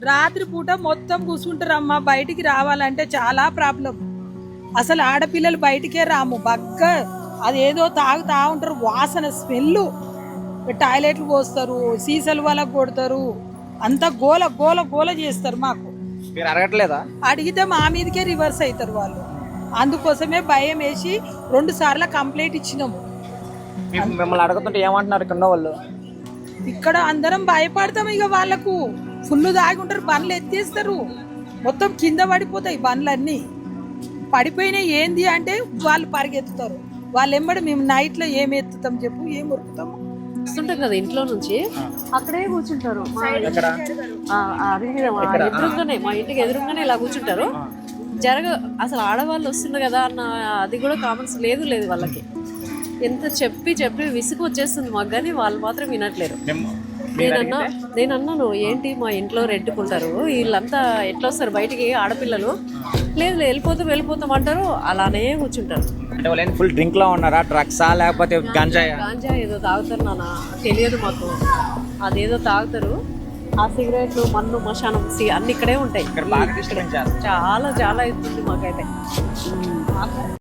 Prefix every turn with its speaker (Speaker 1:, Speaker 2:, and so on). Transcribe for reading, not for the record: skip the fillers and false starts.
Speaker 1: రాత్రి పూట మొత్తం కూర్చుంటారమ్మా, బయటికి రావాలంటే చాలా ప్రాబ్లం. అసలు ఆడపిల్లలు బయటికే రాము, బగ్గ అదేదో తాగుతా ఉంటారు, వాసన స్మెల్, టాయిలెట్లు పోస్తారు, సీసాలు వాళ్ళకు కొడతారు, అంతా గోల గోల గోల చేస్తారు. మాకు
Speaker 2: మీరు అడగట్లేదా?
Speaker 1: అడిగితే మా మీదకే రివర్స్ అవుతారు వాళ్ళు. అందుకోసమే భయం వేసి 2 సార్లు కంప్లైంట్ ఇచ్చినాము.
Speaker 2: మిమ్మల్ని అడుగుతుంటే ఏమంటున్నారు ఇక్కడ వాళ్ళు?
Speaker 1: ఇక్కడ అందరం భయపడతాం. ఇక వాళ్ళకు ఫుల్ దాగి ఉంటారు, బండ్లు ఎత్తేస్తారు, మొత్తం కింద పడిపోతాయి బండ్లన్నీ. పడిపోయినాయి ఏంది అంటే వాళ్ళు పరిగెత్తుతారు. వాళ్ళు ఎంబడి మేము నైట్లో ఏం ఎత్తుతాం చెప్పు, ఏం ఉరుకుతాము.
Speaker 3: వస్తుంటాం కదా ఇంట్లో నుంచి, అక్కడే కూర్చుంటారు.
Speaker 2: ఎక్కడ?
Speaker 3: ఎదురుగానే, మా ఇంటికి ఎదురుగానే ఇలా కూర్చుంటారు. అసలు ఆడవాళ్ళు వస్తున్నారు కదా అన్న అది కూడా కామన్స్ లేదు వాళ్ళకి. ఎంత చెప్పి చెప్పి విసుగు వచ్చేస్తుంది మాకు, కానీ వాళ్ళు మాత్రం వినట్లేరు. నేను అన్నాను, ఏంటి మా ఇంట్లో రెంట్కుంటారు, వీళ్ళంతా ఎట్లా వస్తారు బయటికి ఆడపిల్లలు? లేదు వెళ్ళిపోతాం అంటారు, అలానే కూర్చుంటారు.
Speaker 2: అంటే వాళ్ళు ఫుల్ డ్రింక్ లో ఉన్నారా? డ్రగ్సా లేకపోతే గాంజా
Speaker 3: ఏదో తాగుతారు నాన్న, తెలియదు మాకు. అదేదో తాగుతారు. ఆ సిగరెట్లు, మన్ను, మశానం అన్ని ఇక్కడే ఉంటాయి.
Speaker 2: బాగా డిస్టర్బెన్స్ చేస్తారు.
Speaker 3: చాలా అవుతుంది మాకైతే.